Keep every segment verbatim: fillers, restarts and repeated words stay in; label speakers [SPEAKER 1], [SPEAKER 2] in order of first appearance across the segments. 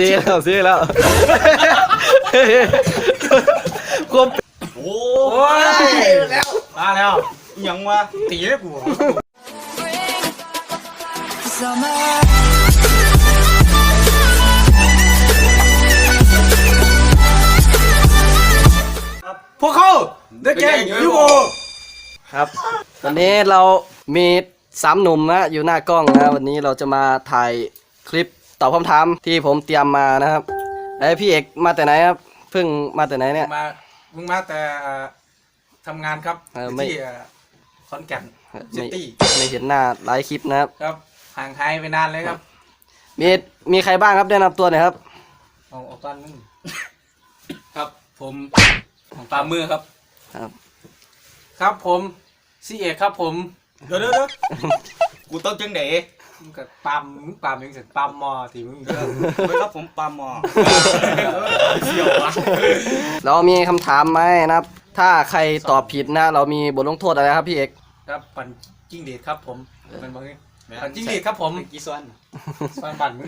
[SPEAKER 1] ซีแล้วซีแล้วควบโอ้ยแล้วมาแล้วยังวะตีได้กูพวกเขาเด็กแก่ยูโบครับวันนี้เรามีสามหนุ่มนะอยู่หน้ากล้องนะวันนี้เราจะมาถ่ายคลิปตอบคำถามที่ผมเตรียมมานะครับไอ้พี่เอกมาแต่ไหนครับเพิ่งมาแต่ไหนเนี่ย
[SPEAKER 2] มาเพิ่งมาแต่ทำงานครับที่ขอนแก่นซิตี้
[SPEAKER 1] ไม่เห็นหน้าหลายคลิปนะครับ
[SPEAKER 2] ครับห่างหายไปนานเลยครับ
[SPEAKER 1] มีมีใครบ้างครับแนะนำตัวหน่อยครับ
[SPEAKER 2] เอาเอาตอนนึงครับผมปามือครับ
[SPEAKER 1] ครับ
[SPEAKER 2] ครับผมซีเอกครับผม
[SPEAKER 3] เดี๋ยวเดี๋ยวกูต้องจังเด๋
[SPEAKER 2] มึงกับปั๊มมึงปั๊มมึงเสร็จปั๊มมอที่มึง
[SPEAKER 3] ไม่ครับผมปั๊มมอ
[SPEAKER 2] เชี่ยววะ
[SPEAKER 1] เรามีคำถามไหมนะครับถ้าใครตอบผิดนะเรามีบทลงโทษอะไรครับพี่เอก
[SPEAKER 2] ครับปั่นจิ้งเดชครับผมมันบอกงี้ปั่นจิ้งเดชครับผม
[SPEAKER 3] กี่ซ้อน
[SPEAKER 2] ซ้อนปั่นมึง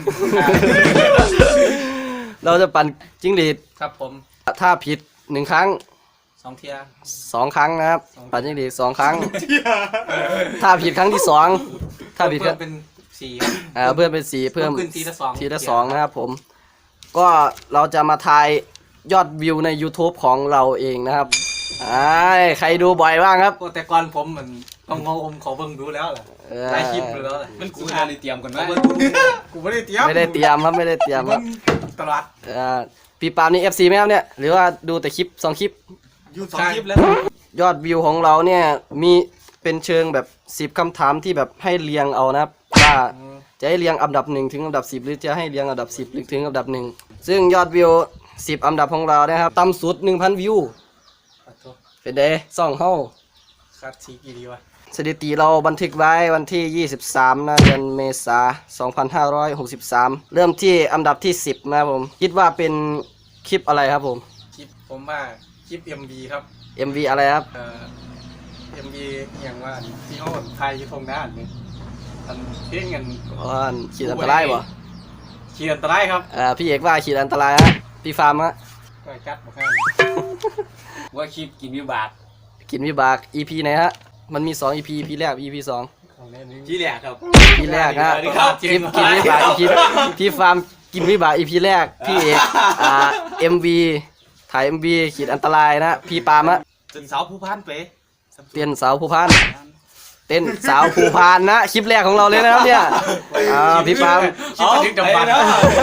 [SPEAKER 1] เราจะปั่นจิ้งหรีด
[SPEAKER 2] ครับผม
[SPEAKER 1] ถ้าผิดหนึ่งครั้ง
[SPEAKER 2] สองเทีย
[SPEAKER 1] สองครั้งนะครับปั่นจิ้งหรีดสองครั้งถ้าผิดครั้งที่สองถ้าผิดก็
[SPEAKER 2] เป็นสี่
[SPEAKER 1] อ่าเพื่อนเป็นสี่เพิ่ม
[SPEAKER 2] ทีละสอง
[SPEAKER 1] ทีละสองนะครับผมก็เราจะมาทายยอดวิวใน YouTube ของเราเองนะครับไอ้ใครดูบ่อยบ้างครับ
[SPEAKER 2] แต่ก่อนผมเหมือนต้องงงขอเบิ่งดูแล้วแหละหลายคลิปดูแล้วแหละ
[SPEAKER 3] มันกูอ่านเตรียมก่อนไหม
[SPEAKER 2] กูไม่ได้เตรียม
[SPEAKER 1] ไม่ได้เตรียมครับไม่ได้เตรียมครับ
[SPEAKER 2] ตลาด
[SPEAKER 1] พี่ปาล์มนี่ เอฟ ซี ไหมครับเนี่ยหรือว่าดูแต่คลิปสองคลิป
[SPEAKER 2] ยูสองคลิปแล้ว
[SPEAKER 1] ยอดวิวของเราเนี่ยมีเป็นเชิงแบบสิบคำถามที่แบบให้เรียงเอานะครับว่าจะให้เรียงอันดับหนึ่งถึงอันดับสิบหรือจะให้เรียงอันดับสิบถึงอันดับหนึ่งซึ่งยอดวิวสิบอันดับของเรานะครับต่ำสุด หนึ่งพัน วิวเป็นเดย์ซ่องเฮา
[SPEAKER 2] คัดทีกี่ดีวะ
[SPEAKER 1] สถิติเราบันทึกไว้วันที่ยี่สิบสามนะเดือนเมษายนสองพันห้าร้อยหกสิบสามเริ่มที่อันดับที่สิบนะครับผมคิดว่าเป็นคลิปอะไรครับผม
[SPEAKER 2] คลิปผมว่าคลิป เอ็ม วี ครับ
[SPEAKER 1] เอ็ม วี อะไรครับ
[SPEAKER 2] เอ่อ เอ็ม วี อย่างว่าที่เขาไทยทงด้านนี่อันเที่ยงเงิน
[SPEAKER 1] อ๋อขีดอันตรายบ่
[SPEAKER 2] ขีดอันตรายครับ
[SPEAKER 1] อ่าพี่เอกว่าขีดอันตรายฮะพี่ฟาร์มฮะ
[SPEAKER 2] ก็จัดบ่ครับว่าคลิปกินวิบาก
[SPEAKER 1] กินวิบาก อี พี ไหนฮะมันมีสอง อี พี อี พี แรก อี พี สอง
[SPEAKER 2] ที่แรกครับ
[SPEAKER 1] ที่แรกฮะคลิปกินวิบาก อี พี พี่ฟาร์มกินวิบาก อี พี แรกพี่เอกอ่า เอ็ม วี ถ่าย เอ็ม วี ขีดอันตรายนะพี่ปาล์มฮะ
[SPEAKER 3] จนสาวผู้พันเป๋
[SPEAKER 1] เต้นสาวผู้พันเต้นสาวผู้พันนะคลิปแรกของเราเลยนะครับเนี่ยอ่าพี่ปาล์ม
[SPEAKER 2] คลิปที่จำบัน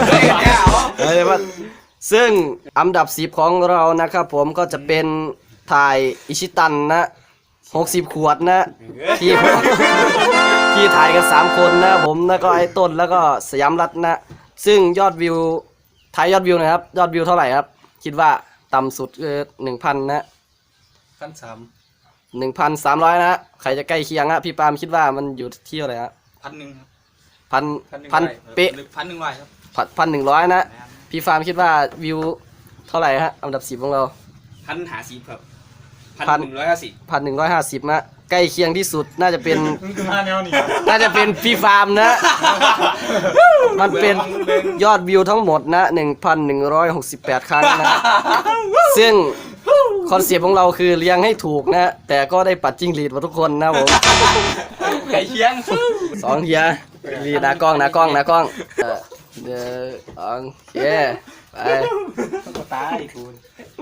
[SPEAKER 1] ซึ่งอันดับสิบของเรานะครับผมก็จะเป็นถ่ายอิชิตันนะหกสิบขวดนะที่ที่ถ่ายกันสามคนนะผมแล้วก็ไอ้ต้นแล้วก็สยามรัตน์นะซึ่งยอดวิวถ่ายยอดวิวนะครับยอดวิวเท่าไหร่ครับคิดว่าต่ำสุดคือหนึ่งพันนะ
[SPEAKER 2] พันสาม
[SPEAKER 1] หนึ่งพันสามร้อยนะใครจะใกล้เคียงฮะพี่ปาล์มคิดว่ามันอยู่ที่เท่าไหร่ฮะ
[SPEAKER 3] พันหนึ่งครับ
[SPEAKER 1] พันพันเป๊ะ
[SPEAKER 3] พันหนึ่งร้อยครับ
[SPEAKER 1] พันหนึ่งร้อยนะพี่ฟาร์มคิดว่าวิวเท่าไหร่ฮะอันดับสิบของเรา
[SPEAKER 3] พันหาสิบครับพันหนึ่งร้อยห้าสิบ
[SPEAKER 1] พันหนึ่งร้อยห้าสิบนะใกล้เคียงที่สุดน่าจะเป็นน่าจะเป็นพี่ฟาร์มนะมันเป็นยอดวิวทั้งหมดนะหนึ่งพันหนึ่งร้อยหกสิบแปดครั้งนะซึ่งคอนเซปต์ของเราคือเลี้ยงให้ถูกนะแต่ก็ได้ปัดจิ้งหรีดมาทุกคนนะผม
[SPEAKER 3] ไก่เคียง
[SPEAKER 1] สองเฮียรีนากล้องนากล้องนากล้องเดี๋ยวโอเคไป
[SPEAKER 2] ก็ตายคุณ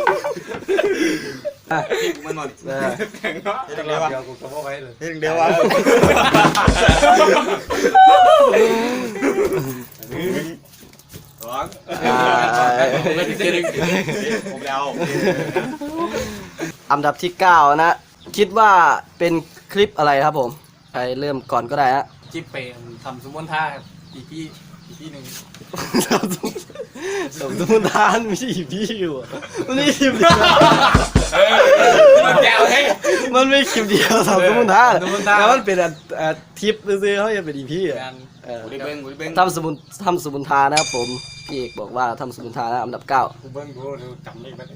[SPEAKER 3] มันหมด
[SPEAKER 2] แข่งเนาะเดี๋ยวเดี๋ยวกูจะบอกไว้เลย
[SPEAKER 3] เดี๋ยววะร้องผมแล้ว
[SPEAKER 1] อันดับที่เก้านะคิดว่าเป็นคลิปอะไรครับผมใครเริ่มก่อนก็ได้ฮะ
[SPEAKER 2] คลิปเปย์ทำสมมติท่าอีพี่อีพี่หนึ่ง
[SPEAKER 1] สมมติท่านไม่ใช่อีพี่อยู่มันไม่คลิปเดียว
[SPEAKER 3] มันแก้วให้
[SPEAKER 1] มันไม่คลิปเดียวสมมติท่านแล้วมันเป็นทิปซื้อเขาจะเป็นอีพี่อ่ะทำสมุนทำสมุนทานะครับผมพี่เอกบอกว่าทำสมุนทานะอันดับเก้า
[SPEAKER 2] เบิ้งดูดูจำไม่ได้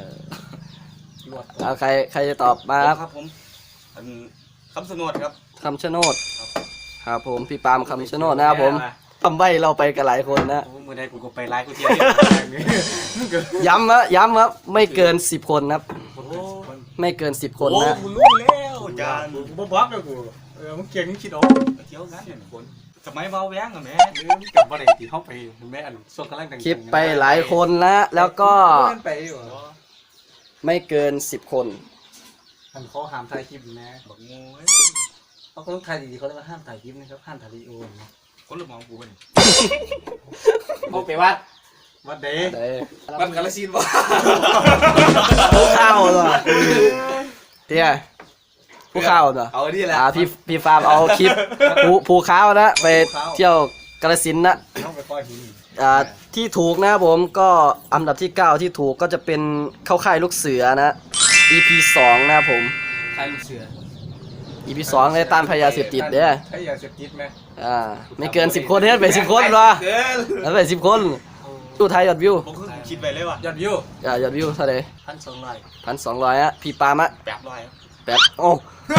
[SPEAKER 1] เอาใครใครจะตอบมา
[SPEAKER 3] ครับผมคำชะโนดครับ
[SPEAKER 1] คำชะโนดครับผมพี่ปาล์มคำชะโนดนะครับผมทำใบเราไปกันหลายคนนะ
[SPEAKER 2] โอ้มือใดกูก็ไปไล่กูเที่ยวนี่
[SPEAKER 1] ย้ำนะย้ำครับไม่เกินสิบคนครับ
[SPEAKER 2] โอ้
[SPEAKER 1] ไม่เกินสิบคน
[SPEAKER 3] โอ้
[SPEAKER 1] นะ
[SPEAKER 3] กูรู้แล้วจาน
[SPEAKER 2] กูบ่บล็อกเลยกูเออมึงเก่งมึงคิดออก
[SPEAKER 3] เที่ยวงั้นเนี่ยคนสมัยเบาแว้งอะแม่
[SPEAKER 2] เออมึงกลับมาได้ที่ห้องไปแม่อันส่วนกำลังดังๆ
[SPEAKER 1] คลิปไปหลายคนนะแล้วก็
[SPEAKER 2] เล่นไปอยู่เหรอ
[SPEAKER 1] ไม่เกินสิบคน
[SPEAKER 2] อันเขาห้ามถ่ายคลิปนะ
[SPEAKER 3] บอกงู
[SPEAKER 2] เขาต้องถ่ายดีๆเขาเรียกว่าห้ามถ่ายคลิปนะครับห้ามถ่ายวิดีโอนะ
[SPEAKER 3] คนละมองกูเป็น
[SPEAKER 2] เขาไปวัดวัดเดย์
[SPEAKER 1] เด้
[SPEAKER 3] วัดกาลสินธุ์วะ
[SPEAKER 1] ผู้เข้าเหรอเตี้ยผู้เข้าเหรอ
[SPEAKER 3] เอาดิแหละ
[SPEAKER 1] อ่าพี่พี่ฟาร์มเอาคลิปผู้ผู้เข้านะไปเที่ยวกาฬสินธุ์นะ
[SPEAKER 2] ต้องไปปล่อยหิน
[SPEAKER 1] อ่าที่ถูกนะครับผมก็อันดับที่เก้าที่ถูกก็จะเป็นเข้าค่ายลูกเสือนะ อี พี สองนะครับผม
[SPEAKER 2] ใครลูกเสือ
[SPEAKER 1] อี พี สองเลยต้านพยาเสพติดเด้อ
[SPEAKER 2] ใช่ยาเสพติดไหม
[SPEAKER 1] อ่าไม่เกินสิบคนเนี่ยไปสิบคนเหรอ
[SPEAKER 3] เกิน
[SPEAKER 1] แล้วไปสิบคนดูไทยยอดวิว
[SPEAKER 3] ผมคือคิดไปเลยว่ะ
[SPEAKER 2] ยอดวิว
[SPEAKER 1] อ่ายอดวิวเท่าไหร่
[SPEAKER 2] พันสองร้อย
[SPEAKER 1] พันสองร้อยอะพี่ปาล์มอะ
[SPEAKER 3] แปดร้อย
[SPEAKER 1] แปดโอ้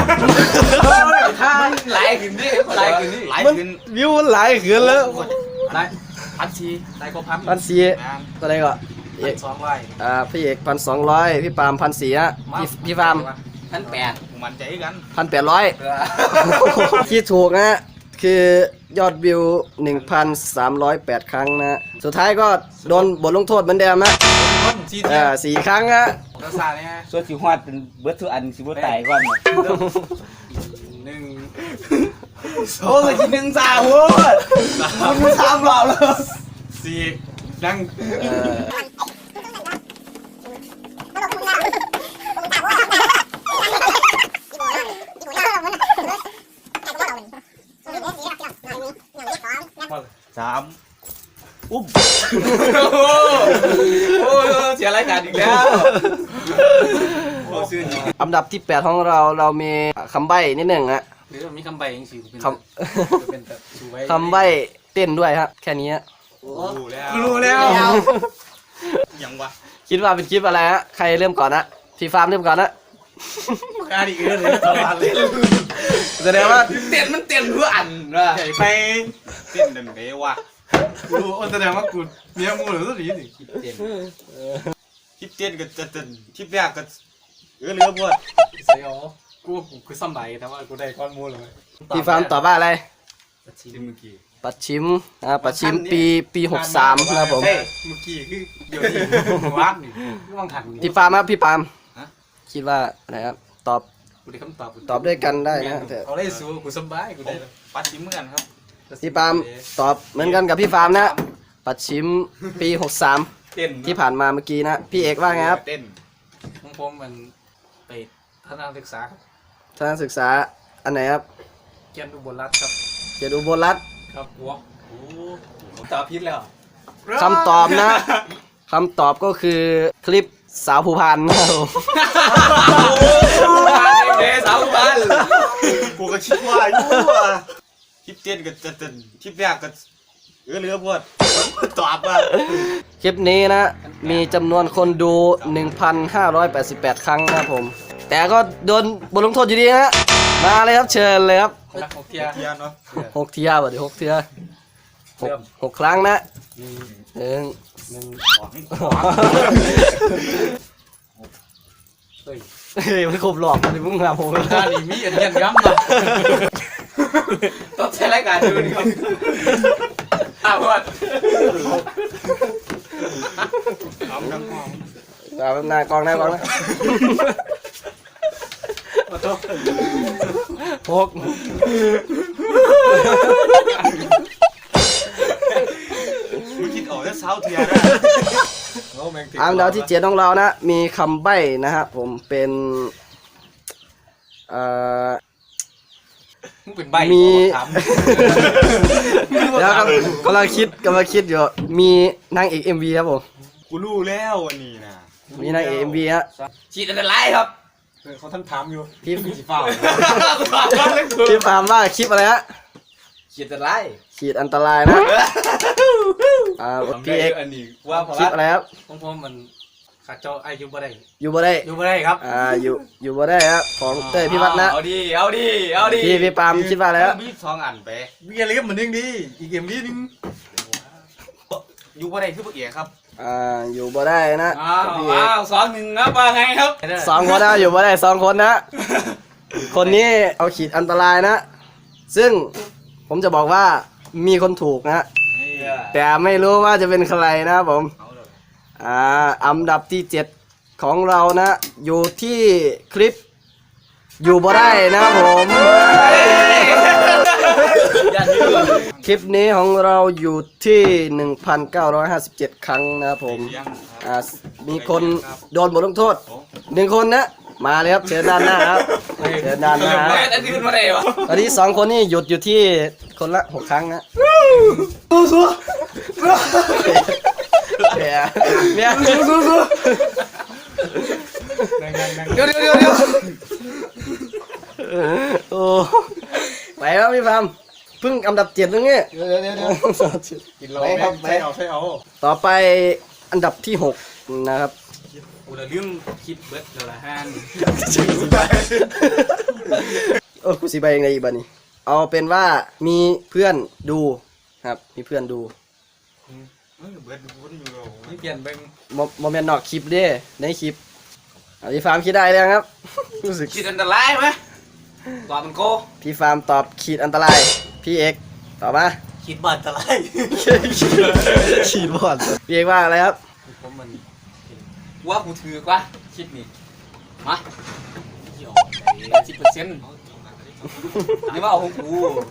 [SPEAKER 3] มันหลายขึ้นนี่หลายขึ้นนี่หลาย
[SPEAKER 1] มัน
[SPEAKER 3] ขึ้น
[SPEAKER 1] วิวมันหลายขึ้นแล้ว
[SPEAKER 2] ได้พันสี่ได้ก็พัน
[SPEAKER 1] พันสี่เท่าไหร่ก็เอ
[SPEAKER 2] พัน
[SPEAKER 1] ก
[SPEAKER 2] สองร้อย
[SPEAKER 1] อ่าพี่เอกพันสองร้อยพี่ปาล์มพันสี่อะพี่พี่ฟาร์ม
[SPEAKER 3] พันแปดผมมันใจกัน
[SPEAKER 1] พันแปดร้อย ที่ถูกนะคือยอดวิว หนึ่งพันสามร้อยแปด ครั้งนะ สุดท้ายก็โดนบทลงโทษเหมือนเดิมนะ
[SPEAKER 2] คนสี่
[SPEAKER 1] อ่า
[SPEAKER 2] เที่ยว
[SPEAKER 1] สี่ครั้งนะ
[SPEAKER 2] กระสาเนี่ย
[SPEAKER 4] ส่วนสิฮอดเป็นเบิดทุกอันสิบ่ตายก่อนน่ะ
[SPEAKER 2] หนึ่ง
[SPEAKER 4] โอ้ยกินหนึ่งสามโว้ยคุณสามรอบแล้ว
[SPEAKER 2] สี่นั่ง
[SPEAKER 1] เออ
[SPEAKER 4] สามอุ้ม
[SPEAKER 3] โอ้เสียรายการอีกแล้วโอ้ซื่อจริง
[SPEAKER 1] อันดับที่แปดของเราเรามีคำใบ้นิดหนึ่งฮะ
[SPEAKER 2] หรือมีคำใบยังสี่เป็น
[SPEAKER 1] ค
[SPEAKER 2] เป็นแบบสวย
[SPEAKER 1] ำ คำใบ้เต้นด้วยฮะแค่นี้ฮะ
[SPEAKER 3] รู้แล้ว
[SPEAKER 2] รู้แล้ว
[SPEAKER 3] ยังวะ
[SPEAKER 1] คิดว่าเป็นคลิปอะไรฮะใครเริ่มก่อนนะพี่ฟาร์มเริ่มก่อนนะ
[SPEAKER 2] อันนี้เอื้อเลยตลอดเลย
[SPEAKER 1] แสดงว่า
[SPEAKER 3] เต้นมันเต้นเพื่ออันว่ะ
[SPEAKER 2] ใหญ่ไป
[SPEAKER 3] เต้นเดินไปว่ะ
[SPEAKER 2] กูรู้แสดงว่ากูเมียมูหรือสุดนี้สิเจ็บ
[SPEAKER 3] คลิปเต้นก็จะเต้นคลิปแรกก็เออเรือพวด
[SPEAKER 2] เสียวกูกูคือซ้ำใบแต่ว่ากูได้ก้อนมูเลย
[SPEAKER 1] พี่ฟาร์มตอบว่าอะไร
[SPEAKER 3] ที่เมื่อกี้
[SPEAKER 1] ปัดชิมอ่าปัดชิมปีปีหกสามนะครับผม
[SPEAKER 2] เฮ้ยเมื่อกี้คือเดี๋ยวนี้วาดนี่ว่างถังนี่
[SPEAKER 1] พี่ฟาร์มครับพี่ปาล์มคิดว่าอะไรครับตอบ
[SPEAKER 2] กูได้คำตอบ
[SPEAKER 1] ตอบด้วยกันได้นะแต่
[SPEAKER 2] เอาได้สู้กูสบายกู
[SPEAKER 3] ผม
[SPEAKER 2] ได้
[SPEAKER 3] ปัดชิ้นเหมือนกันครับ
[SPEAKER 1] พี่ปาล์มตอบเหมือนกันกับพี่ฟาร์มนะปัดชิมปีหกสาม
[SPEAKER 3] เต้น
[SPEAKER 1] ที่ผ่านมาเมื่อกี้นะพี่เอกว่าไงครับ
[SPEAKER 3] เต้น
[SPEAKER 2] ของผมมันไปทัศนศึกษาครับ
[SPEAKER 1] ทางศึกษาอันไหนครับ
[SPEAKER 2] เกียนอุบลรัตน์ครับ
[SPEAKER 1] เกียรติอุบลรัตน์
[SPEAKER 2] ครับหัว
[SPEAKER 3] โอ้ผมตอบผิดแล้ว
[SPEAKER 1] คำตอบนะคำตอบก็คือคลิปสาวภูพานนะครับผม
[SPEAKER 3] เด้สาวบ้านกูก็คิดว่าอยู่ว่ะคลิปเต้นก็จะเต้นคลิปแรกก็เออเรือพวดตอบว่า
[SPEAKER 1] คลิปนี้นะมีจำนวนคนดู หนึ่งพันห้าร้อยแปดสิบแปด ครั้งนะครับผม แต่ก็โดนบทลงโทษอยู่ดีนะมาเลยครับเชิญเลยครับ
[SPEAKER 2] คนละหกเทีย
[SPEAKER 3] เทียนเนาะ
[SPEAKER 1] หกเทียบเดี๋ยวหกเทียหกหกครั้งนะหนึ่ง
[SPEAKER 2] หนึ่ง เฮ้ย
[SPEAKER 1] เฮ้ยมันครบหลอกมันมึงครับผม
[SPEAKER 2] ท่านี่มีอันเย็นย้ำนะ
[SPEAKER 3] ต้องใช้รายการดูนี่ครับอ้าวพวดเอาทั้งห้อง
[SPEAKER 1] เอาหน้ากองหน้ากองนะหก
[SPEAKER 3] มึงคิดออกแล้วเช้าเทียนะ
[SPEAKER 1] อันดับที่เจ็ดของเรานะ มีคำใบ้นะครับผมเป็นเอ่อ
[SPEAKER 2] มึงเป็นใบ
[SPEAKER 1] มี
[SPEAKER 2] ถาม
[SPEAKER 1] แล้วกำกำลังคิดกำลังคิดอยู่มีนางเอก เอ็ม วี ครับผม
[SPEAKER 3] กูรู้แล้ววันนี้นะ
[SPEAKER 1] มีนางเอก เอ็ม วี ฮะ
[SPEAKER 3] ฉีดอันตรายครับ
[SPEAKER 2] เขาท่านถามอยู่
[SPEAKER 1] พี่
[SPEAKER 2] สีฟ้า
[SPEAKER 1] พี่ฟาร์มว่าคลิปอะไรฮะ
[SPEAKER 3] ฉีดอันตราย
[SPEAKER 1] ขีดอันตรายนะอ่าพี่เอก
[SPEAKER 3] อันนี้ว่าพอ
[SPEAKER 1] คลิป
[SPEAKER 3] ละ
[SPEAKER 1] อะไรครับ
[SPEAKER 2] ของผมมันคข้าเจ้าอายุบ่ได้
[SPEAKER 1] อยู่บ่ได้
[SPEAKER 2] อยู่บ่ได้ครับ
[SPEAKER 1] อ่าอยู่อยู่บ่ได้ครับของเต้ยพี่วัดนะ
[SPEAKER 4] เอาดิเอาดิเอาดิ
[SPEAKER 1] พี่พี่ปาล์มคิดว่าอะไรครับ
[SPEAKER 3] มีสองอันไป
[SPEAKER 2] มีอะไรก็เหมือนนึงดีอีกเกมนี้นึง
[SPEAKER 3] อยู่บ่ได้คือพวกเอ๋ครับ
[SPEAKER 1] อ่าอยู่บ่ได้นะ
[SPEAKER 4] อ้าว
[SPEAKER 1] พี่เอก
[SPEAKER 4] อ้าวสองหนึ่งนะว่าไงครับ
[SPEAKER 1] สองคนนะอยู่บ่ได้สองคนนะ คนนี้เอาขีดอันตรายนะ ซึ่งผมจะบอกว่ามีคนถูกนะ แต่ไม่รู้ว่าจะเป็นใครนะครับผม อ่าอันดับที่เจ็ดของเรานะ อยู่ที่คลิป อยู่บ่ได้นะครับผม คลิปนี้ของเราอยู่ที่ หนึ่งพันเก้าร้อยห้าสิบเจ็ด ครั้งนะครับผม อ่า มีคนโดนบทลงโทษหนึ่งคนนะ มาเลยครับ เชิญด้านหน้าครับ เชิญด้านหน้าครับ
[SPEAKER 4] แม่อันนี้ขึ้นมาได้วะ
[SPEAKER 1] ตอนนี้สองคนนี่หยุดอยู่ที่คนละหกครั้งนะเนี่ยเนี่ย
[SPEAKER 4] เดี๋ยวเดี๋ยวเดี๋ยวเดี๋ยว
[SPEAKER 1] โอ้ไปแล้วพี่ฟามเพิ่งอันดับเจ็ดตรงนี้
[SPEAKER 2] เดี๋ยวเดี๋ยวเดี๋ยวกินเราใช่เอาใช่เอา
[SPEAKER 1] ต่อไปอันดับที่หกนะครับ
[SPEAKER 4] กูละลืมคิดเบิดเดี๋ยวละห้าง
[SPEAKER 1] โอ้กูสีใบยังไงอีกบ้านี้เอาเป็นว่ามีเพื่อนดูครับ มีเพื่อนดู
[SPEAKER 3] เฮ้ยเบิดดูคนอยู่เรา
[SPEAKER 4] นี่เปลี่ยนเป็น
[SPEAKER 1] โมโมเมนต์นอกคลิปเด้ในคลิปอ่ะพี่ฟาร์มคิดได้แล้วครับ รู้สึก
[SPEAKER 4] คิดอันตรายไหมตอบมันโก
[SPEAKER 1] พี่ฟาร์มตอบขีดอันตราย พี่เอกตอบมา
[SPEAKER 2] คิดบาดตะไล
[SPEAKER 1] ขีดบอดพี่เอกว่าอะไรครับ
[SPEAKER 4] ผมมันว่ากูถือกว่าคิดนี่มาเดี๋ยวสิบเปอร์เซ็นต์นี่ว่าเอาของกู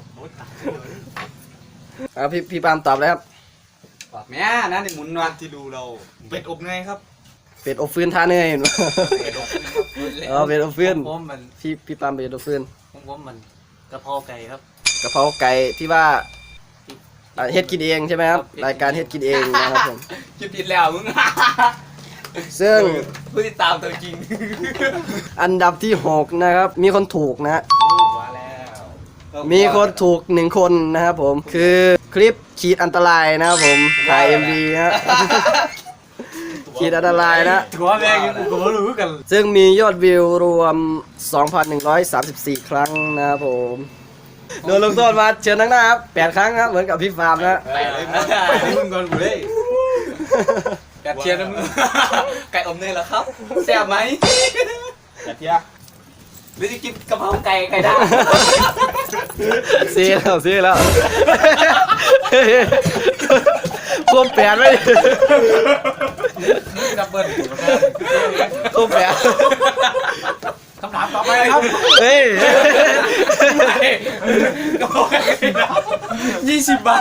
[SPEAKER 1] อ่ะพี่พี่ปาล์มตอบแล้วครับ
[SPEAKER 4] ตอบแม่นั่นนี่หมุนว่ะ
[SPEAKER 3] ที่ดูเราเป็ดอบไงครับ
[SPEAKER 1] เป็ดอบฟืนท่าเนยเห็นไหมเออเป็ดอบฟืน
[SPEAKER 2] ผมมัน
[SPEAKER 1] พี่พี่ปาล์มเป็ดอบฟืน
[SPEAKER 2] ผมผมมันกระเพราไก่ครับ
[SPEAKER 1] กะเพราไก่ที่ว่าอ่ะเฮ็ดกินเองใช่ไหมครับรายการเฮ็ดกินเองนะครับผม
[SPEAKER 4] คิดผิดแล้วมึง
[SPEAKER 1] ซึ่ง
[SPEAKER 4] ผู้ติดตามตัวจริง
[SPEAKER 1] อันดับที่หกนะครับ มีคนถูกนะฮะ
[SPEAKER 4] มาแล้ว
[SPEAKER 1] มีคนถูกหนึ่งคนนะครับผม คือคลิปขีดอันตรายนะครับผมถ่าย เอ็ม วี ฮะขีดอันตรายนะ
[SPEAKER 2] ถือว่าแม่งกูก็รู้กัน
[SPEAKER 1] ซึ่งมียอดวิวรวม สองพันหนึ่งร้อยสามสิบสี่ ครั้งนะครับผมโดนลงโทษมาเชิญทั้งหน้าครับแปดครั้งครับเหมือนกับพี่ฟาร์มนะ
[SPEAKER 3] ไปเลยไปเลยมึงก่อนกูเลย
[SPEAKER 4] แกเชียร์นะมึงไก่อมเนยเหรอครับแซ่บไหม
[SPEAKER 3] แต่เที่ย
[SPEAKER 4] หรือจะกินกะเพราไก่ไก่ดาว
[SPEAKER 1] เสียแล้วเสียแล้วควบแปดไว้ดิ
[SPEAKER 2] ดับเบิ้ล
[SPEAKER 1] ควบแปด
[SPEAKER 2] คำถามต่อไปครับ
[SPEAKER 1] เฮ้ย
[SPEAKER 4] กะเพราไก่ดาวยี่สิบบาท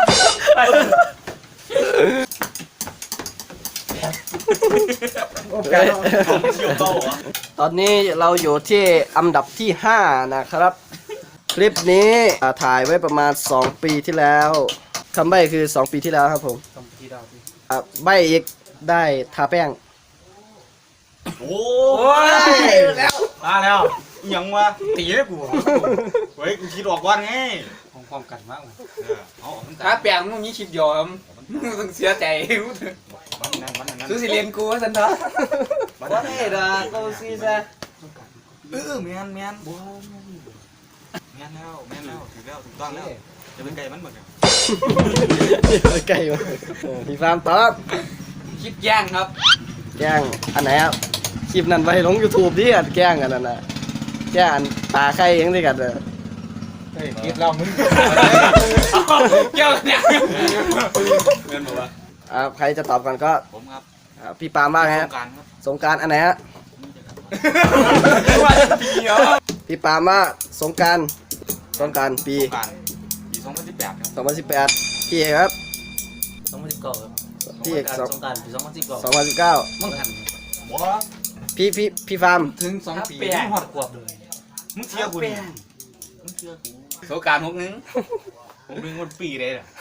[SPEAKER 1] ตอนนี้เราอยู่ที่อันดับที่ห้านะครับ คลิปนี้อ่าถ่ายไว้ประมาณสองปีที่แล้วคำใบ้คือสองปีที่แล้วครับผม
[SPEAKER 2] คำที่ดาวที่
[SPEAKER 1] อ่ะใบ้อีกได้ทาแป้ง
[SPEAKER 3] โอ้
[SPEAKER 4] โอ้ยแล้ว
[SPEAKER 2] มาแล้ว
[SPEAKER 3] ยยังวะ
[SPEAKER 2] ตีเลยกู
[SPEAKER 3] เฮ้ยกูคิดออกว่าไง
[SPEAKER 2] ของความกันมากเลย
[SPEAKER 3] เออเอาเอา
[SPEAKER 4] ถ้าแปลงมึงมีคลิปยอมมึงต้องเสียใจ
[SPEAKER 3] มันนั่นมันนั่น
[SPEAKER 4] ซื้อสิเรียนกูว่าสันเถอะว่าไงล่ะกูซีซะ
[SPEAKER 3] เออแมนแมนบัวแมนแล้วแมนแล้วถูกแล้วถูกต้องแล้วจะเป็นไก่มันหมดเลย
[SPEAKER 1] ใกล้มาเออพี่ฟาร์มตอบ
[SPEAKER 4] คลิปแย่งครับ
[SPEAKER 1] แกล้งอันไหนครับคลิปนั้นไปลง YouTube ดิอันแกล้งกันนั่นน่ะแกล้งอันตาไข่ยังได้กันเลย
[SPEAKER 2] เฮ้ยคิดเรามึง
[SPEAKER 4] เกี่ยวกันเนี่ยเงินบอกว่า
[SPEAKER 1] อ่าใครจะตอบก่อนก็
[SPEAKER 3] ผมครับ
[SPEAKER 1] อ่าพี่ปาล์มว่าไง
[SPEAKER 3] ส
[SPEAKER 1] ฮะ
[SPEAKER 3] งกรารครับ
[SPEAKER 1] สงกรารอันไหนฮะ
[SPEAKER 4] ว่าจะปีเหรอ
[SPEAKER 1] พี่ปาล์มว่าสงกรารสงกรารปี
[SPEAKER 3] สงกรารปีสองพันสิบแปดครับ
[SPEAKER 1] สองพันสิบแปดพี่เอกครับ
[SPEAKER 2] สองพันสิบเก้าครับ
[SPEAKER 1] พี่เอกสอง
[SPEAKER 2] สงการปีสองพันสิบเก้า
[SPEAKER 1] สองพันสิบเก้า
[SPEAKER 2] มึงหัน
[SPEAKER 3] บัว
[SPEAKER 1] พี่พี่พี่ฟาร์ม
[SPEAKER 2] ถึงสองปีมึงหอดกวบเลย
[SPEAKER 3] มึงเชื่อกูดิมึงเชื่อกู
[SPEAKER 4] โซการหกนึง
[SPEAKER 3] ผมดึงวันปีเลยน่ะ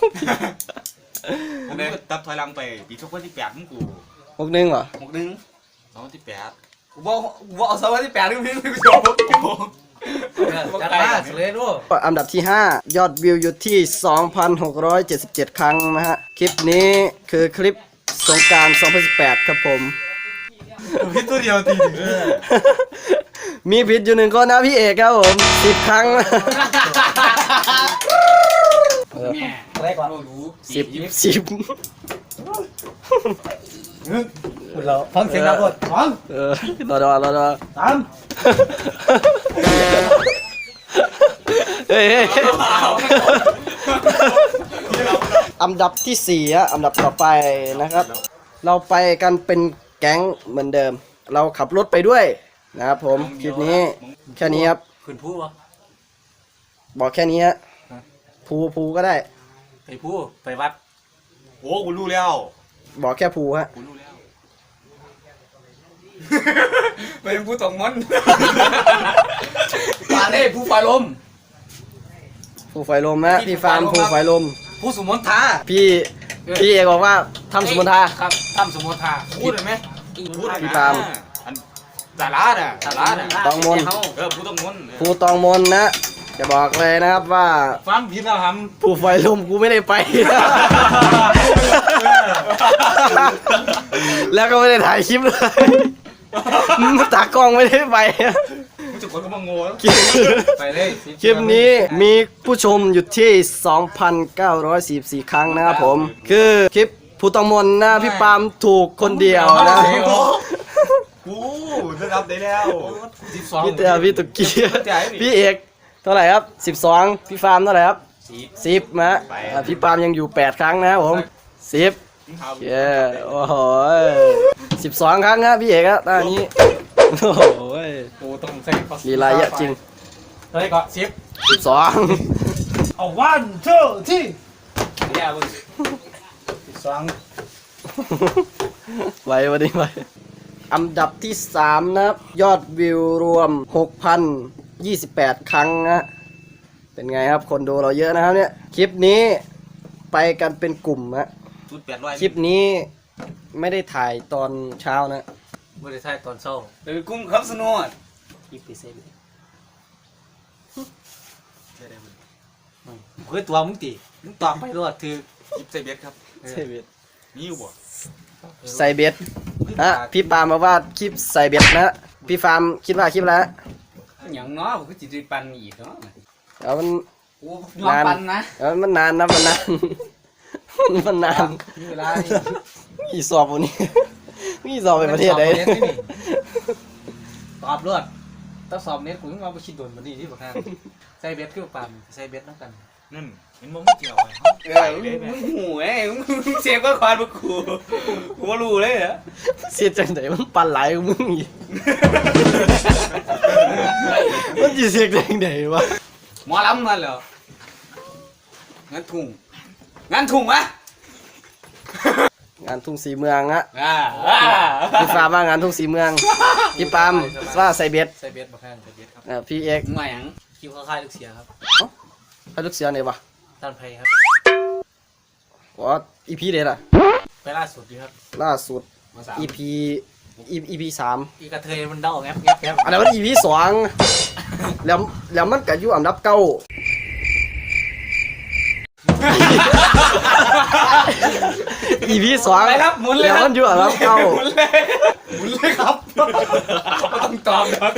[SPEAKER 3] ผมก็ตับถอยหลังไปปีสองพันสิบแปดมึงกู
[SPEAKER 1] หกหนึ่งเหรอ
[SPEAKER 4] หกนึง
[SPEAKER 3] สองพันสิบแปด
[SPEAKER 4] กูบอกกูบอกเอาสวัสดีแปดนึงพี่กูจบ
[SPEAKER 2] จัดมาเลยด้วย
[SPEAKER 1] อันดับที่ห้ายอดวิวอยู่ที่ สองพันหกร้อยเจ็ดสิบเจ็ด ครั้งนะฮะคลิปนี้คือคลิปสงกรารสองพันสิบแปดครับผม
[SPEAKER 2] พี่ตัวเดียวตี
[SPEAKER 1] มีผิดอยู่หนึ่งคนนะพี่เอกครับผมสิบครั้ง
[SPEAKER 4] แม่อะไรก่อนรู้
[SPEAKER 1] สิบสิบ
[SPEAKER 2] เราฟังเสียงเราก่อนฟัง
[SPEAKER 1] เออรอรอรอรอ
[SPEAKER 2] สาม
[SPEAKER 1] เฮ้ยอันดับที่สี่ฮะอันดับต่อไปนะครับ เราไปกันเป็นแก๊งเหมือนเดิม เราขับรถไปด้วยนะครับผมคลิปนี้แค่นี้ครับ
[SPEAKER 2] ขึ้นผู้วะ
[SPEAKER 1] บอกแค่นี้ฮะภูภูก็ได้
[SPEAKER 2] ไปผู้ไปวัด
[SPEAKER 3] โอ้กูรู้แล้ว
[SPEAKER 1] บอกแค่ภูฮะ
[SPEAKER 2] กูรู้แล้ว
[SPEAKER 4] ไปผู้ตองมอนปาเล่ผู้ไฟลม
[SPEAKER 1] ภูไฟลมนะพี่ฟาร์มภูไฟลม
[SPEAKER 2] ผู้สมมติท่า
[SPEAKER 1] พี่พี่เอกบอกว่าทำสมุนทา
[SPEAKER 2] ครับทำสมมติท่าพูดเลยไหม
[SPEAKER 3] พูด
[SPEAKER 1] พี่ปาล์ม
[SPEAKER 3] อันสาระน่ะสาระน่ะ
[SPEAKER 1] ตองมน
[SPEAKER 3] เออพูดต้องมน
[SPEAKER 1] ภูตองมนนะจะบอกเลยนะครับว่า
[SPEAKER 2] ฟังผิดแล้วท
[SPEAKER 1] ภูไฟลมกูไม่ได้ไป แล้วก็ไม่ได้ถ่ายคลิปเลยตากล้องไม่ได้ไป
[SPEAKER 3] มึงจะคนก็มาโง่แล้ว
[SPEAKER 2] ำไปเลย
[SPEAKER 1] คลิปนี้มีผู้ชมอยู่ที่ สองพันเก้าร้อยสี่สิบสี่ ครั้งนะครับผม คือคลิปภูตองมนนะพี่ปาล์มถูกคนเดียวนะ
[SPEAKER 3] กูจะรับได้แล้ว
[SPEAKER 2] สิบสอง
[SPEAKER 1] พี่เต๋อพี่ตุกกี้พี่เอกเท่าไหร่ครับสิบสองพี่ฟาร์มเท่าไหร่ครับสิบนะอ่าพี่ปาล์มยังอยู่แปดครั้งนะครับผมสิบเย้โอ้โหสิบสองครั้งครับพี่เอกครับตอนนี้โอ้โห
[SPEAKER 2] โอ้ต้องใส่ข้อ
[SPEAKER 1] ลีลาเยอะจริง
[SPEAKER 2] เฮ้ยก็สิบ
[SPEAKER 1] สิบสอง
[SPEAKER 2] เอาวันเชื่อที่
[SPEAKER 4] เดี๋ยวมึง
[SPEAKER 2] สิบสอง
[SPEAKER 1] ไว้วันนี้ไว้อันดับที่สามนะครับยอดวิวรวม หกพันยี่สิบแปด ครั้งนะเป็นไงครับคนดูเราเยอะนะครับเนี่ยคลิปนี้ไปกันเป็นกลุ่มนะ
[SPEAKER 3] ชุดแปดร้อย
[SPEAKER 1] คลิปนี้ไม่ได้ถ่ายตอนเช้านะ
[SPEAKER 2] ไม่ได้ใช่ตอนเช้า
[SPEAKER 4] เดี๋ยวกุ้งครับสนุก
[SPEAKER 1] ยี่สิบเซน
[SPEAKER 2] เฮ้ยตัวมึงตีมึงตอบไปรอดถือ
[SPEAKER 3] ยิบใส่เบ็ดครับ
[SPEAKER 1] เซเบต
[SPEAKER 3] มีอยู่บ่
[SPEAKER 1] ใส่เบ็ดฮะพี่ปาล์มบอกว่าคลิปใส่เบ็ดนะพี่ฟาร์มคิดว่าคลิปแล้ว
[SPEAKER 4] อย่างน้อยผมก็จิตใจปันอีกเนาะ
[SPEAKER 1] เอามัน
[SPEAKER 4] โอ้ยอมปันนะ
[SPEAKER 1] เอามันนานนะมันนาน มันนาน
[SPEAKER 2] มีเวลา
[SPEAKER 1] มีสอบวันนี้ มีสอบไปประเทศใด
[SPEAKER 2] ตอบรอดต้องสอบเน็ตกูต้องเอาไปคิดโดนมันนี่ที่บอกทางใส่เบ็ดคือปามใส่เบ็ดน้ำกัน
[SPEAKER 3] นั่นเห็นมึงไม่เกี่ยวไง
[SPEAKER 4] เออมึงหูเอ้ยมึงเสียงก็ควานมึงกูกูก็รู้เลยเหรอ
[SPEAKER 1] เสียจังไหนมันปั่นไหลของมึงอีก มันจะเสียจังไหนวะ
[SPEAKER 4] หมอลำนั่นเหรองั้นถุงงั้นถุงวะ
[SPEAKER 1] งานทุ่งสีเมืองนะ
[SPEAKER 4] อ่าอ่า
[SPEAKER 1] พี่ฟาร์มว่างานทุ่งสีเมืองพี่ปาล์มว่าใส่เบ็ด
[SPEAKER 2] ใส่เบ็ดมาข้างใส่เบ็ดครับ
[SPEAKER 1] เอ่อพี่เอก
[SPEAKER 4] มึงมาอย่าง
[SPEAKER 2] คิวเข้าค่ายลูกเสียครับ
[SPEAKER 1] ให้ลูกเสือไหนวะ
[SPEAKER 2] ด้านไพครับ
[SPEAKER 1] ว่าอีพีเด็ดอะ
[SPEAKER 2] ไปล่าสุดดีครับ
[SPEAKER 1] ล่าสุด
[SPEAKER 4] มาสาม
[SPEAKER 1] อีพีอีพีสาม
[SPEAKER 2] อีกระเทยมันเด้าแงบแงบแงบ
[SPEAKER 1] อันนั้นมันอีพีสองแล้วแล้วมันก็อยู่อันดับเก้า อีพีสอง
[SPEAKER 4] ไปครับหมุนเลย
[SPEAKER 1] แล้ว
[SPEAKER 4] ครั
[SPEAKER 1] มันอยู่อันดับเก้า
[SPEAKER 4] หมุนเลยหมุนเลยครับไม่ต้องตอบครับ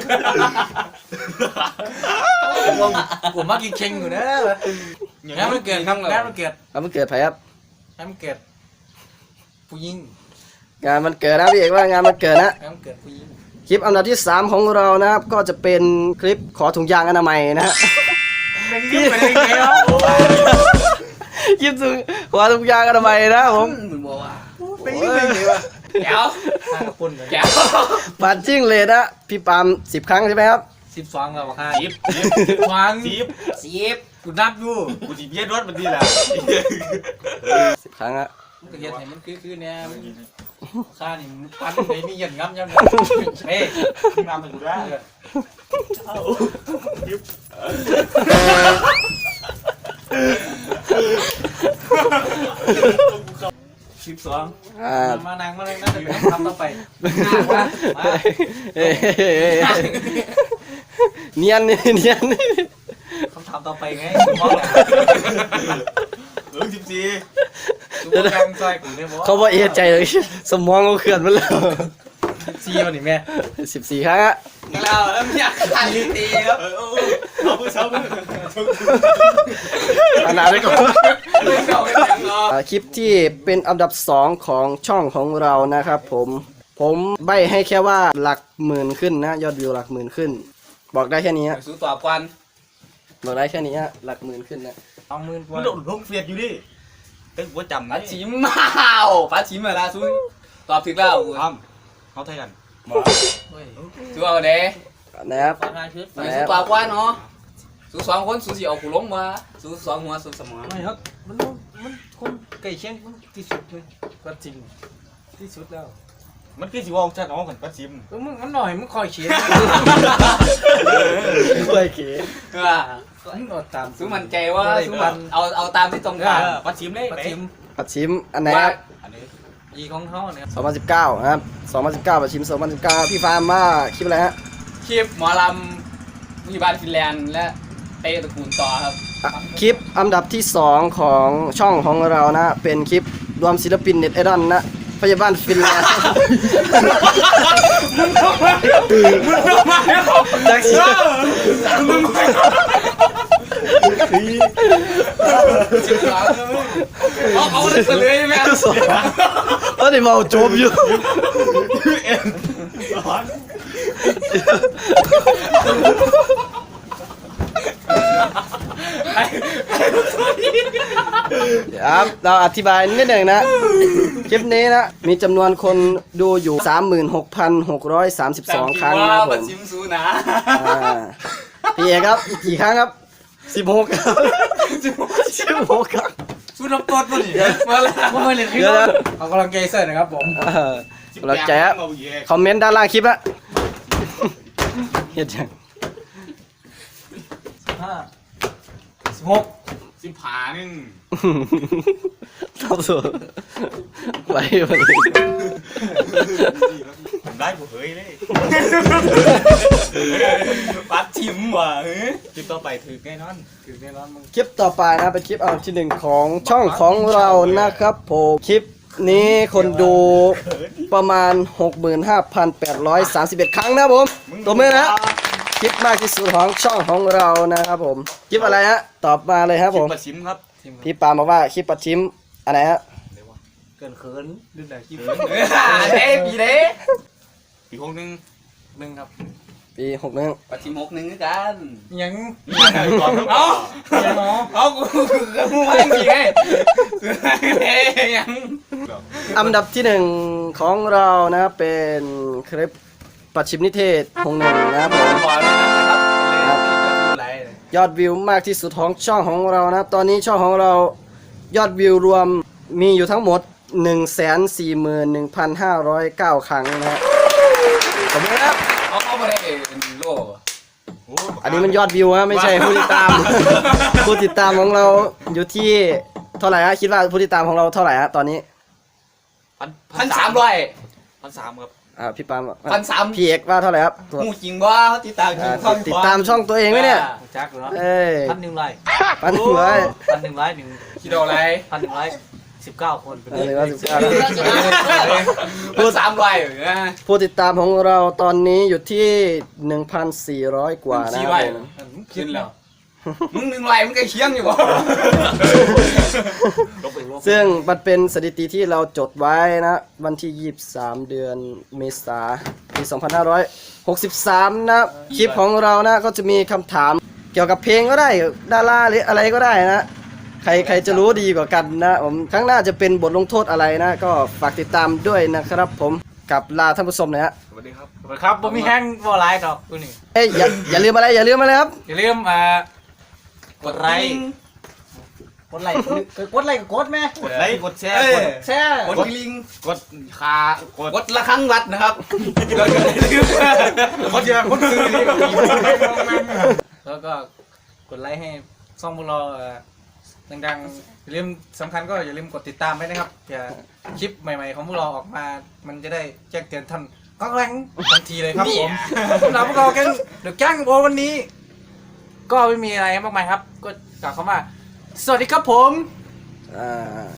[SPEAKER 2] ผมมากินเค็งอยู่นะงานมันเกิดงานมันเกิด
[SPEAKER 1] แล้วมันเกิดไผครับ
[SPEAKER 2] งานมันเกิดผู้หญิง
[SPEAKER 1] งานมันเกิดนะพี่เอกว่างานมันเกิดนะ
[SPEAKER 2] งานมันเกิดผู้หญิง
[SPEAKER 1] คลิปอันดับที่สามของเรานะครับ ก็จะเป็นคลิปขอถุงยางอนามัยนะฮะ
[SPEAKER 2] เป็นเรื่องเป็นยังไงครับ
[SPEAKER 1] คลิปถุงขอถุงยางอนามัยนะครับผม
[SPEAKER 4] มึงบอกว่า
[SPEAKER 2] เป็นเรื่องเป็นยังไงวะ
[SPEAKER 4] แก้ว
[SPEAKER 2] ข้ากระปุ่นเลย
[SPEAKER 4] แก้ว
[SPEAKER 1] บัตรจิ้งเลยนะพี่ปาล์มสิบครั้งใช่ไหมครับ
[SPEAKER 2] สิบสองแล้วค่ะ
[SPEAKER 3] ยิบ
[SPEAKER 2] วาง
[SPEAKER 3] ยิบ
[SPEAKER 4] สิบ
[SPEAKER 2] กูนับอยู่
[SPEAKER 3] กูจีบเย็ดรถมันดีแหละ
[SPEAKER 1] สิบครั้งอะ
[SPEAKER 2] มันก็เห็นเห็นมันคือคือเนี่ยข้านี่มันปั้นเลยมีหยันงับยันเฮ้ยนำไปกูได้ สิบสอง
[SPEAKER 1] อ่าม
[SPEAKER 2] านางมาเลยนะเดี๋ยวทำต่อไป
[SPEAKER 1] เฮ้ยเนียนนี่เนียนนี่
[SPEAKER 2] คำถามต่อไปไงมองแหละ
[SPEAKER 3] เออสิบสี่
[SPEAKER 2] ดูแกงซอยกูเนี่ย
[SPEAKER 1] เขาบอกเอะใจเลยสมองเขาเขื่อนมาแล้ว
[SPEAKER 2] ซีวันนี้แม่
[SPEAKER 1] สิบสี่ครั้งฮะ
[SPEAKER 4] แล้วแล้วอยากขายตีครับ
[SPEAKER 3] เอามือเช้ามือ
[SPEAKER 1] อันนั้นไปก่อน
[SPEAKER 4] เก่าเป็นยังไง
[SPEAKER 1] อ่าคลิปที่เป็นอันดับสองของช่องของเรานะครับผมผมใบให้แค่ว่าหลักหมื่นขึ้นนะยอดวิวหลักหมื่นขึ้น บอกได้แค่นี้ฮะ
[SPEAKER 4] สู้ตัวกวน
[SPEAKER 1] บอกได้แค่นี้ฮะหลักหมื่นขึ้นนะ
[SPEAKER 2] สองหมื่นก
[SPEAKER 3] มั
[SPEAKER 2] ว่าน
[SPEAKER 3] โดดลงเฟียดอยู่ดิเต้นหัวจำ
[SPEAKER 4] ปลา
[SPEAKER 3] นะ
[SPEAKER 4] ชิมมาปลาชิมมาละสู้ตอบถึงแล้ว
[SPEAKER 3] ทำเขาไทยกัน
[SPEAKER 4] สู้เอาเด้
[SPEAKER 1] นะครับ
[SPEAKER 2] ประมาณชุด
[SPEAKER 4] สู้ตัวกวนเนาะสู้สองคนสู้สิเอากูลงมาสู้สองหัวสู้สมอง
[SPEAKER 2] ไม่ครับมันมันคนไก่เชียงมันที่สุดเลยก็จริงที่สุดแล้ว
[SPEAKER 3] มันคือสิว่าจะน้องกันปัดซิม
[SPEAKER 2] มึงมันหน่อยมึงคอยเขียน
[SPEAKER 1] ด้วยเก๋
[SPEAKER 4] ว่า
[SPEAKER 2] มึงอดตาม
[SPEAKER 4] สู้มันใจว่าสู้มันเอาเอาตามที่ตรงกัน
[SPEAKER 3] ปัดซิมเลย
[SPEAKER 2] ประ
[SPEAKER 3] ไหน
[SPEAKER 2] ชิม
[SPEAKER 1] ปัดชิมอันไหนค
[SPEAKER 4] ว่า
[SPEAKER 1] รับ
[SPEAKER 3] อันนี้
[SPEAKER 2] อีของเขาเนี่ย
[SPEAKER 1] สองพันสิบเก้านะครับสองพันสิบเก้าปัดชิมสองพันสิบเก้าพี่ฟาร์มว่าคลิปอะไรฮะ
[SPEAKER 4] คลิปหมอลำวิบาลฟินแลนด์และเตะตระกูลต่อครับ
[SPEAKER 1] อ่ะคลิปอันดับที่สองของช่องของเรานะเป็นคลิปรวมศิลปินเน็ตไอดอลนะพยาบาลฟินแลนด์จากสิ
[SPEAKER 4] เอาเอาเลยเฉลยไหม
[SPEAKER 1] ตอนนี้เมาโจมอยู่ ครับเราอธิบายนิดหนึ่งนะ คลิปนี้นะ มีจำนวนคนดูอยู่ สามหมื่นหกพันหกร้อยสามสิบสอง ครั้งนะครับผ
[SPEAKER 4] ปัด
[SPEAKER 1] ม
[SPEAKER 4] ชิมซูนะ
[SPEAKER 1] อ่าพี่เอกครับ กี่ครั้งครับสิบหกครับสิบหกครับ
[SPEAKER 2] สู้น้ำต้นมาดิ
[SPEAKER 4] มาแล้ว
[SPEAKER 2] ผมไม่เล่นขึ้น
[SPEAKER 1] เดี๋ยวนะ
[SPEAKER 2] เอากำลังใจเสร็จนะครับผม
[SPEAKER 1] เออเราใจครับคอมเมนต์ด้านล่างคลิปละเฮ็ดยัง
[SPEAKER 2] ห้าสิบหก
[SPEAKER 3] สิบผาหนึ่ง
[SPEAKER 1] เท่าสุดไปวันนี้
[SPEAKER 3] ผมได้ผมเฮ้ยเลย
[SPEAKER 4] ปัดชิมว่ะเฮ้ย
[SPEAKER 3] คลิปต่อไปถือแน่นอน
[SPEAKER 2] คือแน่นอนมึง
[SPEAKER 1] คลิปต่อไปนะเป็นคลิปอันดับที่หนึ่งของช่องของเรานะครับผมคลิปนี้คนดูประมาณ หกหมื่นห้าพันแปดร้อยสามสิบเอ็ด ครั้งนะครับผมตัวมือนะคลิปมากที่สุดของช่องของเรานะครับผมคลิปอะไรฮะตอบมาเลยครับ
[SPEAKER 3] คลิ
[SPEAKER 1] ผ
[SPEAKER 3] ป
[SPEAKER 1] ม
[SPEAKER 3] ปัดซิมครับ
[SPEAKER 1] พี่ปาล์มบอกว่าคลิปปัดชิมอะไรฮะ
[SPEAKER 2] เกินเขินดื้อแต่ขี้
[SPEAKER 4] เด้ปีเด้
[SPEAKER 3] ปีหกหนึ่ง
[SPEAKER 2] หนึ่งครับ
[SPEAKER 1] ปีหกหนึ่ง
[SPEAKER 4] ปัดชิมหกหนึ่งกัน
[SPEAKER 2] ยัง
[SPEAKER 3] ก่อนครับ
[SPEAKER 4] เอา
[SPEAKER 2] ยังเนาะ
[SPEAKER 4] เอากูกูไม่มีไงยัง
[SPEAKER 1] อันดับที่หนึ่งของเรานะเป็นคลิปปัดชิมนิเทศหงหนึ่งนะครับผม
[SPEAKER 4] ขอเลยนะครับเลย
[SPEAKER 1] ยอดวิวมากที่สุดของช่องของเรานะตอนนี้ช่องของเรายอดวิวรวมมีอยู่ทั้งหมด หนึ่งแสนสี่หมื่นหนึ่งพันห้าร้อยเก้า ครั้งนะฮะขอบคุณครับ
[SPEAKER 4] เอาเข้ามาได้โล
[SPEAKER 1] อันนี้มันยอดวิวฮะไม่ใช่ผู้ติดตาม ผู้ติดตามของเราอยู่ที่เท่าไหร่ฮะคิดว่าผู้ติดตามของเราเท่าไหร่ฮะตอนนี้
[SPEAKER 3] พัน
[SPEAKER 4] พันสามร้อย
[SPEAKER 3] พันสามครับ
[SPEAKER 1] อ่าพี่ปาล์ม
[SPEAKER 4] พันสาม
[SPEAKER 1] พี่เอกว่าเท่าไหร่ครับตัว
[SPEAKER 4] มูจริงว่าติดตามจริ
[SPEAKER 1] อ่าง ติดตามช่องตัวเองไหมเนี่ย
[SPEAKER 2] จักเหรอ
[SPEAKER 1] เอ้ย
[SPEAKER 2] พันหนึ่งไร
[SPEAKER 1] ปันหัว
[SPEAKER 2] พันหนึ่งร้อยหนึ่ง
[SPEAKER 4] คิดเอาอะไร
[SPEAKER 2] พันหนึ่งร้อยสิบเก้าคนเป็น
[SPEAKER 1] อันนี้ว่าสิบเก้า
[SPEAKER 4] พันสามร้อยเหรอ
[SPEAKER 1] ผู้ติดตามของเราตอนนี้อยู่ที่ หนึ่งพันสี่ร้อย กว่านะ
[SPEAKER 4] สี่
[SPEAKER 1] ค
[SPEAKER 4] ร้
[SPEAKER 1] รั
[SPEAKER 4] อย
[SPEAKER 1] บผม
[SPEAKER 4] ขึ้นแล้วมึงหนึ่งไรมึงใกล้เคียงอยู่บ่
[SPEAKER 1] ซึ่งมันเป็นสถิติที่เราจดไว้นะวันที่ยี่สิบสามเดือนเมษายนปีสองพันห้าร้อยหกสิบสามนะคลิปของเรานะก็จะมีคำถามเกี่ยวกับเพลงก็ได้ดาราหรืออะไรก็ได้นะใครใครจะรู้ดีกว่ากันนะผมครั้งหน้าจะเป็นบทลงโทษอะไรนะ ก็ฝากติดตามด้วยนะครับผมกับลาท่านผู้ชมนะฮะ
[SPEAKER 3] สวัสดีครับ
[SPEAKER 2] ครับผมมีแห้งบอลไลน์ดอกตัวนี้
[SPEAKER 1] เอ้ยอย่าอย่าลืมอะไรอย่าลืมอะไรครับ
[SPEAKER 2] อย่าลืมอ่ากดไลค์กดไลค์กดไลค์กดแม่
[SPEAKER 3] กดไลค์กดแชร์
[SPEAKER 4] เอ้ย
[SPEAKER 3] กด
[SPEAKER 2] แช่
[SPEAKER 4] กดลิง
[SPEAKER 3] กดคากด
[SPEAKER 4] กดละครั้งวัดนะครับเราจะได้ลืม
[SPEAKER 3] กดเยอะกดซื้อนี่
[SPEAKER 2] แล้วก็กดไลค์ให้ช่องพวกเราเอ่อดังๆอย่าลืมสำคัญก็อย่าลืมกดติดตามไว้นะครับเผื่อคลิปใหม่ๆของพวกเราออกมา มันจะได้แจ้งเตือนท่านก้องแรงทันทีเลยครับผมสำหรับพวกเราแก๊งเดอะแก๊งโอวันนี้ ก็ไม่มีอะไรมากมายครับ ก็กล่าวคำว่า สวัสดีครับผม
[SPEAKER 1] อ่า